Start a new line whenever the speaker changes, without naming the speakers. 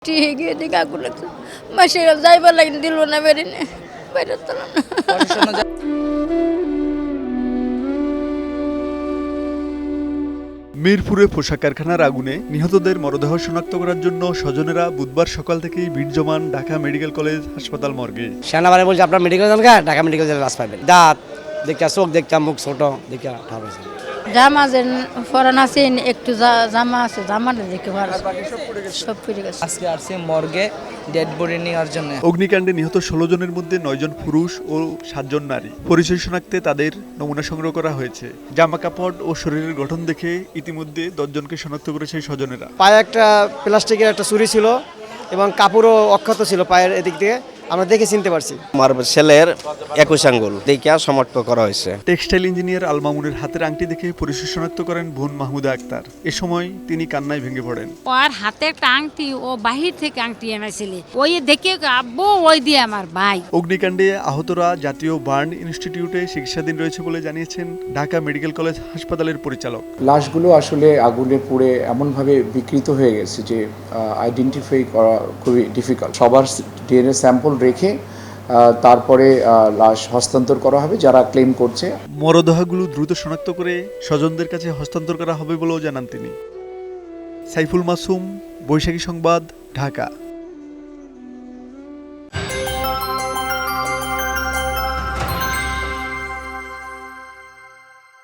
ঠিক এদিকে আগুন লাগছে মাসে যাইবার লাগিন দিল না বেরিয়ে বাইরে তোলা না।
মিরপুরে পোশাক কারখানার আগুনে নিহতদের মরদেহ শনাক্ত করার জন্য স্বজনেরা বুধবার সকাল থেকেই ভিড় জমান ঢাকা মেডিকেল কলেজ হাসপাতাল মর্গে।
সেনাবাহিনী বলছে আপনার মেডিকেল যান গা, ঢাকা মেডিকেল জেলে লাশ পাবেন। দাঁত দেখা, চোখ দেখা, মুখ ছোট দেখা ঠাপ হয়েছে।
জামা যে ফরান আছে একটু জামা আছে, জামাটা দেখে ভালো সব পুড়ে গেছে।
আজকে আসছে মর্গে ডেড বডি নেওয়ার জন্য।
অগ্নিকাণ্ডে নিহত 16 জনের মধ্যে 9 জন পুরুষ ও 7 জন নারী। পরিচয় শনাক্তে তাদের নমুনা সংগ্রহ করা হয়েছে। জামা কাপড় ও শরীরের গঠন দেখে ইতিমধ্যে 10 জনকে শনাক্ত করেছে স্বজনেরা।
পায়ে একটা প্লাস্টিকের একটা ছুরি ছিল এবং কাপড়ও অক্ষত ছিল পায়ের এদিক দিয়ে, আমরা দেখে চিনতে পারছি।
আমার ছেলের 21 আঙ্গুল দেখিয়া সমাপ্ত করা হয়েছে।
টেক্সটাইল ইঞ্জিনিয়ার আল মামুনের হাতের আংটি দেখে পরিচয় শনাক্ত করেন বোন মাহমুদা আক্তার। এ সময় তিনি কান্নায় ভেঙে পড়েন।
ওর হাতে একটা আংটি, ও বাহির থেকে আংটি এনেছিল, ওই দেখে আব্বু ওই দিয়ে আমার ভাই।
অগ্নিকাণ্ডে আহতরা জাতীয় বার্ন ইনস্টিটিউটে চিকিৎসাধীন রয়েছে বলে জানিয়েছেন ঢাকা মেডিকেল কলেজ হাসপাতালের পরিচালক।
লাশগুলো আসলে আগুনে পুড়ে এমনভাবে বিকৃত হয়ে গেছে যে আইডেন্টিফাই করা খুবই ডিফিকাল্ট। সবার ডিএনএ স্যাম্পল রেখে তারপরে লাশ হস্তান্তর করা হবে যারা ক্লেম করছে।
মরদেহগুলো দ্রুত শনাক্ত করে স্বজনদের কাছে হস্তান্তর করা হবে বলেও জানান তিনি। সাইফুল মাসুম, বৈশাখী সংবাদ, ঢাকা।